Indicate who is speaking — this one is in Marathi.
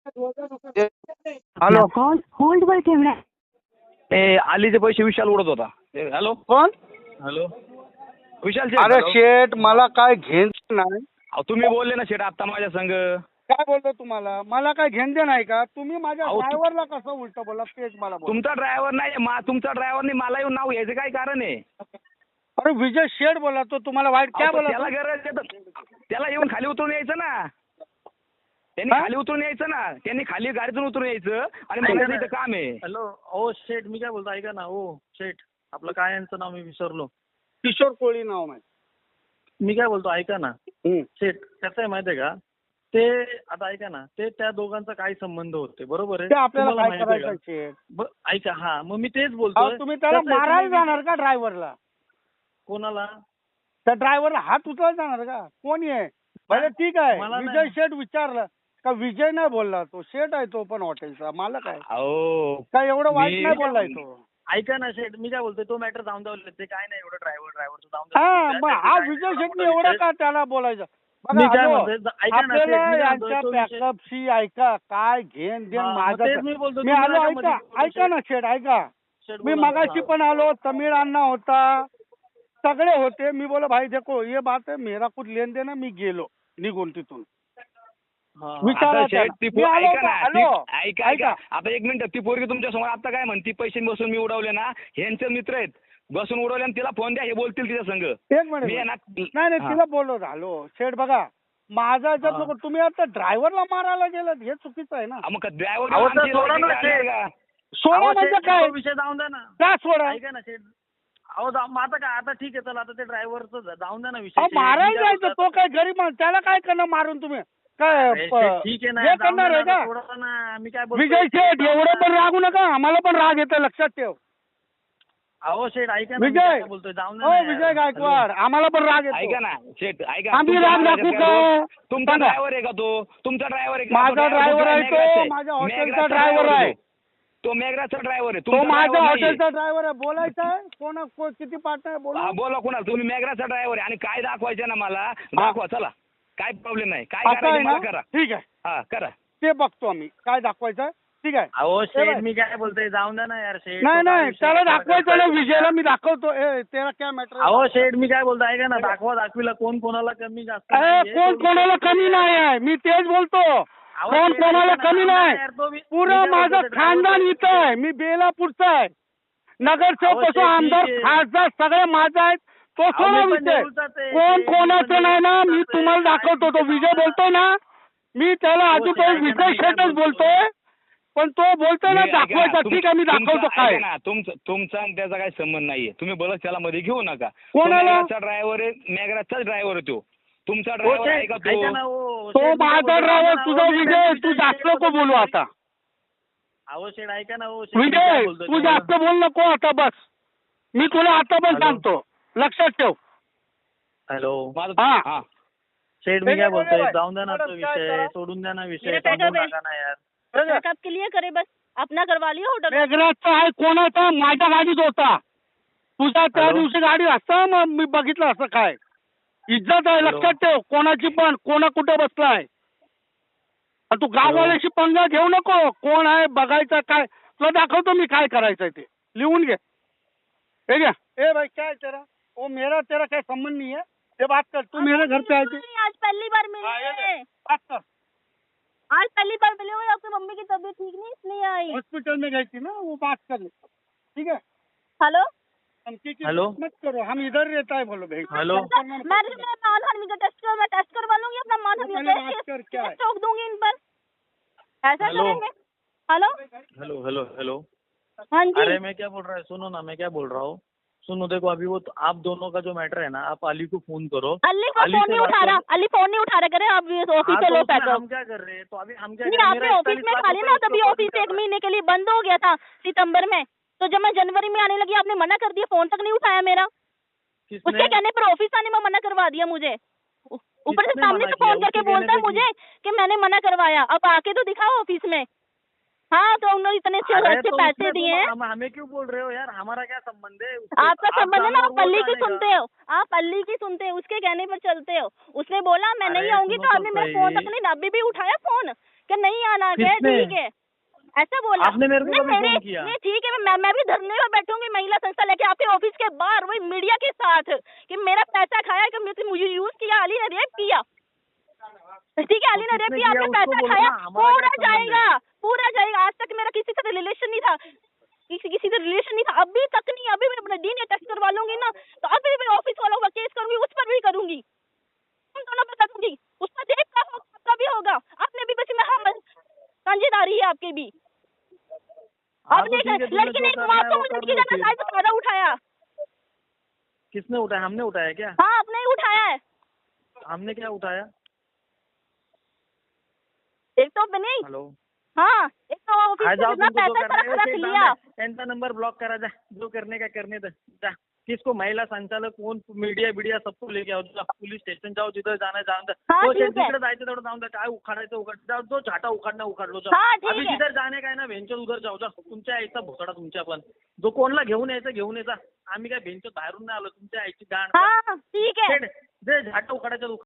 Speaker 1: हॅलो
Speaker 2: कॉल होल्ड वर ठेवणार.
Speaker 1: आलीचे पैसे विशाल उडत होता. हॅलो
Speaker 3: कोण?
Speaker 1: हॅलो विशाल
Speaker 3: अरे
Speaker 1: शेठ.
Speaker 3: शेठ मला काय घेण नाही.
Speaker 1: अहो, तुम्ही बोलले ना शेठ आता माझ्या संग.
Speaker 3: काय बोलतो तुम्हाला? मला काय घेण दे नाही का? तुम्ही माझ्या
Speaker 1: अहो,
Speaker 3: ड्रायव्हरला कसं उलट बोला तेच मला बोला.
Speaker 1: तुमचा ड्रायव्हर नाही तुमचा ड्रायव्हर नाही मला येऊन नाव घ्यायचं काय कारण आहे?
Speaker 3: अरे विजय शेठ बोला तो तुम्हाला वाईट काय
Speaker 1: अहो,
Speaker 3: बोला?
Speaker 1: त्याला गरज आहे तर त्याला येऊन खाली उतरून यायचं ना. त्यांनी
Speaker 3: हा?
Speaker 1: खाली उतरून यायचं ना. त्यांनी खाली गाडीतून उतरून यायचं आणि मला इथं काम आहे.
Speaker 4: हॅलो ओ शेठ, मी काय बोलतो ऐका ना. ओ शेठ, आपलं काय यांचं नाव मी विसरलो.
Speaker 3: किशोर कोळी नाव माहिती.
Speaker 4: मी काय बोलतो ऐका ना शेठ, कसं आहे माहितीये का, ते आता ऐका ना, ते त्या दोघांचा काय संबंध होते बरोबर आहे?
Speaker 3: ते आपल्याला
Speaker 4: तुम्हाला
Speaker 3: काय
Speaker 4: माहिती आहे
Speaker 3: करायचं
Speaker 4: का?
Speaker 3: शेठ?
Speaker 4: ऐका, हा मग मी तेच
Speaker 3: अहो,
Speaker 4: बोलतोय.
Speaker 3: तुम्ही त्याला
Speaker 4: कसं आहे,
Speaker 3: मारायला
Speaker 4: तुम्ही-
Speaker 3: जाणार का ड्रायव्हरला?
Speaker 4: कोणाला?
Speaker 3: त्या ड्रायव्हरला हात उचलायला जाणार का? कोणी आहे? भले ठीक आहे,
Speaker 4: मला
Speaker 3: विजय
Speaker 4: नाही.
Speaker 3: शेठ विचारलं का? विजय नाही बोलला, तो शेठ आहे तो पण हॉटेलचा मालक आहे.
Speaker 1: अहो
Speaker 3: काय एवढं वाईट
Speaker 1: मी-
Speaker 3: नाही बोललाय तो.
Speaker 4: ऐका ना शेठ, मी काय बोलतोय, तो मॅटर जाऊन द्यावं. ते काय नाही एवढं ड्रायव्हर जाऊन
Speaker 3: हा
Speaker 4: द्या.
Speaker 3: मग हा विजय शेट्टी एवढं का त्याला बोलायचं?
Speaker 4: मी
Speaker 3: बघा
Speaker 4: काय
Speaker 3: हॅलो,
Speaker 4: म्हणतोय, ऐका ना शेठ,
Speaker 3: आपल्याला
Speaker 4: मी काय म्हणतोय,
Speaker 3: यांच्या
Speaker 4: तो विषय-
Speaker 3: बॅकअपशी ऐका काय घेण देण
Speaker 4: हा, मग
Speaker 3: माझं
Speaker 4: तेच मी बोलतो,
Speaker 3: मी
Speaker 4: तुम्ही
Speaker 3: आलो
Speaker 4: नका
Speaker 3: ऐका
Speaker 4: मध्ये बोलू,
Speaker 3: ऐका ना शेठ ऐका.
Speaker 4: शेठ
Speaker 3: मी
Speaker 4: बोला.
Speaker 3: मगाशी
Speaker 4: हा.
Speaker 3: पण आलो, तमिळ अण्णा होता, सगळे होते. मी बोला भाई देखो ये बात है, मेरा कुछ लेन देन है. मी गेलो निघून तिथून.
Speaker 4: हा.
Speaker 3: विचारा
Speaker 1: आता शेठ
Speaker 3: त्याला.
Speaker 1: ती
Speaker 3: मी आलो
Speaker 1: ऐका
Speaker 3: का?
Speaker 1: ना
Speaker 3: हॅलो
Speaker 1: ऐका ऐका आता एक मिनिट. ती पोरगी तुमच्या समोर आता काय म्हणती, पैसे बसून मी उडवले ना, ह्यांचे मित्र आहेत, बसून उडवले आणि तिला फोन द्या, हे बोलतील तिच्या संग.
Speaker 3: एक
Speaker 1: मी आहे
Speaker 3: मिनिट
Speaker 1: ना-
Speaker 3: नाही नाही
Speaker 1: हा.
Speaker 3: तिला बोललो झालो शेठ. बघा माझा याच्यात
Speaker 4: हा.
Speaker 3: नको, तुम्ही आता ड्रायव्हरला मारायला गेलात हे चुकीचं आहे ना.
Speaker 1: मग ड्रायव्हर
Speaker 4: अहो, तर सोडा ना शेठ.
Speaker 3: सोडा
Speaker 4: अहो,
Speaker 3: म्हणजे
Speaker 4: शेठ,
Speaker 3: काय?
Speaker 4: तो विषय जाऊन द्या ना.
Speaker 3: का सोडा?
Speaker 4: ऐका ना शेठ. अहो मग आता काय, आता ठीक आहे चला, आता ते ड्रायव्हरचं जाऊन द्या ना विषय.
Speaker 3: अहो
Speaker 4: शेठ. मी
Speaker 3: मारायला
Speaker 4: काय
Speaker 3: जायचं,
Speaker 4: बोलतो
Speaker 3: तो काय गरीब माणूस, त्याला काय करणार मारून तुम्ही? काय
Speaker 4: अरे शेठ, ठीक आहे ना,
Speaker 3: हे
Speaker 4: जाऊन
Speaker 3: करणार
Speaker 4: द्या
Speaker 3: आहे
Speaker 4: ना,
Speaker 3: का?
Speaker 4: सोडा ना. मी काय बोलतोय,
Speaker 3: विजय शेठ एवढं पण रागू नका, आम्हाला पण राग येतो लक्षात ठेव.
Speaker 4: अहो शेठ ऐका ना, मी
Speaker 3: विजय
Speaker 4: काय बोलतोय, जाऊन द्या
Speaker 3: हो
Speaker 4: ना यार.
Speaker 3: विजय गायकवाड, आम्हाला पण राग
Speaker 1: ऐका
Speaker 3: येतो.
Speaker 1: ना शेठ ऐका.
Speaker 3: आम्ही
Speaker 1: तुमच्या
Speaker 3: राग
Speaker 1: ड्रायव्हर
Speaker 3: दाखवू
Speaker 1: आहे
Speaker 3: का?
Speaker 1: का? तुमचा
Speaker 3: सांगा.
Speaker 1: ड्रायव्हर आहे का तो? तुमचा ड्रायव्हर आहे का?
Speaker 3: माझा ड्रायव्हर आहे तो, माझ्या हॉटेलचा ड्रायव्हर आहे
Speaker 1: तो मेघराजचा ड्रायव्हर आहे.
Speaker 3: तो,
Speaker 1: तुमचा
Speaker 3: माझ्या
Speaker 1: driver नाहीये.
Speaker 3: हॉटेलचा ड्रायव्हर आहे. बोलायचं आहे किती पार्टनर आहे
Speaker 1: हा,
Speaker 3: बोला.
Speaker 1: बोला कुणाला. तुम्ही मेघराजचा ड्रायव्हर आहे आणि काय दाखवायचं ना मला दाखवा. चला काय प्रॉब्लेम नाही. काय
Speaker 3: असं आहे
Speaker 1: करायचं
Speaker 3: ना?
Speaker 1: मला करा.
Speaker 3: ठीक आहे,
Speaker 1: हा करा.
Speaker 3: ते बघतो आम्ही काय दाखवायचं आहे. ठीक आहे.
Speaker 4: अहो
Speaker 3: हे
Speaker 4: शेठ,
Speaker 3: बघ.
Speaker 4: मी काय बोलतोय, जाऊन द्या ना यार शेठ.
Speaker 3: नाही
Speaker 4: तो काय
Speaker 3: नाही
Speaker 4: विषय
Speaker 3: त्याला
Speaker 4: कशाला
Speaker 3: दाखवायचं ना,
Speaker 4: करताय?
Speaker 3: विजयला मी दाखवतो. तेरा काय मॅटर?
Speaker 4: अहो शेठ, मी काय बोलतो ऐका ना, दाखविला कोण कोणाला कमी जास्त नाहीये.
Speaker 3: कोण कोणाला कमी नाही आहे, मी तेच बोलतो.
Speaker 4: अहो,
Speaker 3: कोण
Speaker 4: शेठ,
Speaker 3: कोणाला
Speaker 4: ऐका ना,
Speaker 3: कमी
Speaker 4: जाऊन द्या
Speaker 3: नाही.
Speaker 4: यार, तो मी
Speaker 3: पुरं
Speaker 4: काय
Speaker 3: माझं
Speaker 4: बोलतोय,
Speaker 3: खानदान
Speaker 4: driver-
Speaker 3: इथं आहे. मी बेलापूरचा आहे. नगरसेवक
Speaker 4: अहो,
Speaker 3: असो,
Speaker 4: शेठ,
Speaker 3: आमदार
Speaker 4: ठीक आहे.
Speaker 3: खासदार सगळे माझा आहेत. तो
Speaker 4: अहो,
Speaker 3: सोडा
Speaker 4: मी पण
Speaker 3: विषय.
Speaker 4: नेरूळचाच आहे.
Speaker 3: कोण
Speaker 4: शेठ, मी
Speaker 3: कोणाचं
Speaker 4: पण
Speaker 3: नाही ना, मी
Speaker 4: नेरूळचाच आहे.
Speaker 3: तुम्हाला दाखवतो. तो
Speaker 4: काय
Speaker 3: विजय
Speaker 4: विषय
Speaker 3: बोलतोय ना, मी त्याला
Speaker 4: अहो,
Speaker 3: अजून
Speaker 4: शेठ, ऐका ना,
Speaker 3: विजय
Speaker 4: मी काय
Speaker 3: शेठच
Speaker 4: बोलतोय.
Speaker 3: बोलतोय, पण तो बोलतोय ना
Speaker 1: मी- ऐका ना,
Speaker 3: दाखवायचा. ठीक आहे, मी दाखवतो
Speaker 1: तुमचा-
Speaker 3: काय.
Speaker 1: ऐका ना, तुमचा आणि त्याचा काही संबंध नाहीये. तुम्ही बोलत त्याला मध्ये घेऊ नका.
Speaker 3: कोणाला?
Speaker 1: ड्रायव्हर आहे, मेघराजचाच ड्रायव्हर आहे तो. तुमचा
Speaker 4: हो,
Speaker 1: ड्रायव्हर आहे
Speaker 4: शेठ,
Speaker 1: का
Speaker 4: ऐका ना,
Speaker 1: तो?
Speaker 4: हो,
Speaker 3: तो
Speaker 4: शेठ, मी काय
Speaker 3: माझा
Speaker 4: बोलतोय,
Speaker 3: ड्रायव्हर,
Speaker 4: ऐका ना,
Speaker 3: तुझा
Speaker 4: हो, मी
Speaker 3: विजय.
Speaker 4: काय
Speaker 3: तू जास्त
Speaker 4: बोलतोय,
Speaker 3: नको बोलू आता.
Speaker 4: अहो शेठ ऐका ना, हो शेठ, मी काय
Speaker 3: विजय
Speaker 4: बोलतोय
Speaker 3: तू
Speaker 4: तुम्हाला?
Speaker 3: जास्त बोल नको आता, बस. मी तुला आता पण
Speaker 4: हॅलो?
Speaker 3: सांगतो, लक्षात ठेव.
Speaker 4: हॅलो
Speaker 1: माझं-
Speaker 3: हा.
Speaker 1: हा.
Speaker 4: शेठ, मी
Speaker 3: ठीक
Speaker 4: काय
Speaker 3: आहे,
Speaker 4: बोलतोय,
Speaker 3: बोला.
Speaker 4: जाऊन द्या ना तो
Speaker 3: मॅडम, काय
Speaker 4: विषय,
Speaker 3: करा?
Speaker 4: सोडून द्या ना विषय,
Speaker 5: मेरा पैसा
Speaker 4: समजून
Speaker 5: दे.
Speaker 4: टाका ना यार.
Speaker 5: बैकअप के लिए करे, बस अपना करवा लिया होटल में।
Speaker 3: मेघराजचा आहे कोणाचा? माझ्या गाडीत होता. तुझा त्या
Speaker 4: हॅलो?
Speaker 3: दिवशी गाडी असता, मग मी बघितलं असं काय. इज्जत आहे,
Speaker 4: हॅलो?
Speaker 3: लक्षात ठेव. कोणाची पण, कोणा कुठे बसलाय. आणि तू गाववाल्याशी पंगा घेऊ नको. कोण आहे बघायचं काय. तुला दाखवतो मी काय करायचंय ते. लिहून घे. हे घ्या. ए भाई क्या है तेरा? वो मेरा तेरा क्या संबंध नहीं है. ये बात कर, तू मेरे घर पे आए थे.
Speaker 5: आज पहली बार
Speaker 3: हाँ, ये
Speaker 5: मिले।
Speaker 3: ले, बात कर.
Speaker 5: आज पहली बार मिले हुए, आपकी मम्मी की तबीयत ठीक नहीं इसलिए आई।
Speaker 3: हॉस्पिटल में गई थी ना, वो बात कर ले. ठीक है.
Speaker 5: हेलो
Speaker 3: धमकी की
Speaker 4: हेलो?
Speaker 3: मत करो, हम इधर रहता है बोलो भाई.
Speaker 4: हेलो?
Speaker 5: मैं मानहानि का टेस्ट कर, मैं टेस्ट करवा लूंगी अपना मानहानि
Speaker 3: पहले
Speaker 5: का
Speaker 3: बात कर, क्या है?
Speaker 5: टेस्ट ठोक दूंगी इन पर। ऐसा
Speaker 4: हेलो?
Speaker 5: करेंगे? Hello
Speaker 4: hello hello hello.
Speaker 5: हाँ जी।
Speaker 4: अरे मैं क्या बोल रहा है, सुनो ना, मैं क्या बोल रहा हूँ, सुनो देखो, अभी वो तो आप दोनों का जो मैटर है ना, आप अली को फोन करो।
Speaker 5: अली को
Speaker 4: अली
Speaker 5: फोन
Speaker 4: से
Speaker 5: नहीं
Speaker 4: बात
Speaker 5: उठा रहा,
Speaker 4: करो।
Speaker 5: अली फोन नहीं उठा रहा, करे आप ऑफिस
Speaker 4: हाँ,
Speaker 5: से
Speaker 4: तो
Speaker 5: लो
Speaker 4: उसमें
Speaker 5: पैसा।
Speaker 4: हम क्या कर रहे हैं, तो अभी हम क्या
Speaker 5: नहीं,
Speaker 4: कर रहे हैं,
Speaker 5: आपने
Speaker 4: मेरा
Speaker 5: ऑफिस
Speaker 4: 41
Speaker 5: में
Speaker 4: लाख
Speaker 5: खा लिया ना,
Speaker 4: रुपए
Speaker 5: तभी
Speaker 4: उसके ऊपर
Speaker 5: ऑफिस
Speaker 4: दिखा
Speaker 5: एक
Speaker 4: रहा है।
Speaker 5: महीने के लिए बंद हो गया था सितंबर में। तो जब मैं जनवरी में आने लगी, आपने मना कर दिया, फोन तक नहीं उठाया मेरा। उसके
Speaker 4: किसने?
Speaker 5: कहने पर ऑफिस आने में मना करवा दिया मुझे। ऊपर से
Speaker 4: किसने
Speaker 5: सामने
Speaker 4: मना
Speaker 5: से
Speaker 4: किया?
Speaker 5: फोन करके
Speaker 4: उसके
Speaker 5: बोलता है
Speaker 4: कहने पे
Speaker 5: मुझे कि मैंने मना करवाया। अब आके तो दिखाओ ऑफिस में। हाँ, तो उन्होंने इतने
Speaker 4: अरे
Speaker 5: अच्छे
Speaker 4: तो
Speaker 5: पैसे
Speaker 4: उसमें
Speaker 5: दिए हैं।
Speaker 4: हमें क्यों बोल रहे हो यार, हमारा क्या संबंध है उससे?
Speaker 5: आपका
Speaker 4: आप
Speaker 5: संबंध है ना,
Speaker 4: जानो
Speaker 5: आप
Speaker 4: और वो
Speaker 5: अली की
Speaker 4: जानेगा।
Speaker 5: सुनते हो, आप अली की सुनते हो, उसके कहने पर चलते हो। उसने बोला मैं नहीं
Speaker 4: अरे
Speaker 5: आऊंगी,
Speaker 4: सुनो
Speaker 5: तो
Speaker 4: तो
Speaker 5: आपने मेरा फोन
Speaker 4: सही।
Speaker 5: तक नहीं, अभी भी उठाया फोन कि नहीं आना, क्या
Speaker 4: किसने?
Speaker 5: ठीक है, ऐसा बोला
Speaker 4: आपने मेरे को
Speaker 5: नहीं,
Speaker 4: कभी फोन किया?
Speaker 5: नहीं ठीक है, मैं भी धरने पर बैठूंगी महिला संस्था लेके आपके ऑफिस के बाहर, वही मीडिया के साथ, कि मेरा पैसा खाया, कि मुझे यूज किया, अली ने रेप किया, ठीक है, अली ने रेप
Speaker 4: किसने
Speaker 5: किया,
Speaker 4: किया?
Speaker 5: आपने
Speaker 4: उसको
Speaker 5: पैसा
Speaker 4: बोलो
Speaker 5: खाया,
Speaker 4: ना, हमारा
Speaker 5: पूरा
Speaker 4: क्या संबंध
Speaker 5: जाएगा,
Speaker 4: है?
Speaker 5: पूरा जाएगा। आज तक मेरा किसी से रिलेशन नहीं था, किसी से रिलेशन नहीं था, अभी तक नहीं, अभी मैं अपना डीएनए टेस्ट करवा लूंगी ना, तो अभी मैं ऑफिस वालों का केस करूंगी, उस पर भी करूंगी, तुम दोनों पर करूंगी, उसका रेप का होगा, आपका भी होगा, आपने भी बस में हाँ साझेदारी है आपकी भी।
Speaker 4: हाँ,
Speaker 5: अब
Speaker 4: तो
Speaker 5: देख
Speaker 4: ठीक है, तुमने
Speaker 5: लड़की
Speaker 4: जो
Speaker 5: ने
Speaker 4: करना है
Speaker 5: आपको
Speaker 4: वो
Speaker 5: मुझे
Speaker 4: कर
Speaker 5: लड़की
Speaker 4: लो
Speaker 5: का
Speaker 4: फिर।
Speaker 5: शायद फायदा उठाया,
Speaker 4: किसने उठाया? हमने उठाया क्या?
Speaker 5: हाँ आपने ही उठाया है,
Speaker 4: हमने क्या उठाया?
Speaker 5: एक तो नहीं,
Speaker 4: हेलो,
Speaker 5: हाँ एक तो
Speaker 4: आ
Speaker 5: ऑफिस
Speaker 4: जाओ,
Speaker 5: में
Speaker 4: तुमको जो
Speaker 5: पैसा
Speaker 4: करना है
Speaker 5: सारा रख
Speaker 4: ऐसे ही
Speaker 5: लिया।
Speaker 4: त्यांचा नंबर ब्लॉक करा, जा जो करने का करने दे, जा। किसको? महिला संचालक, कोण, मीडिया सबको लेके आओ, जा पुलिस स्टेशन जाओ, जिधर जाना जाऊन द्या.
Speaker 5: हाँ,
Speaker 4: तो
Speaker 5: ठीक है.
Speaker 4: तिकडे जायचं तेवढं जाऊन द्या, काय उखाडायचं उखाड, जाऊ, जो झाटा उखाडणं उखाड लो,
Speaker 5: हाँ, ठीक
Speaker 4: अभी
Speaker 5: है.
Speaker 4: जिधर जाणे काय ना भेंचर उधर जाऊ, जा. तुमच्या आईचा भोसडा तुमच्या पण, जो कोणला घेऊन यायचं घेऊन यायचा. आम्ही काय भेंचर बाहेरून नाही आलो, तुमच्या आईची गाण.
Speaker 5: हाँ ठीक है.
Speaker 4: जे झाटा उखाडायचं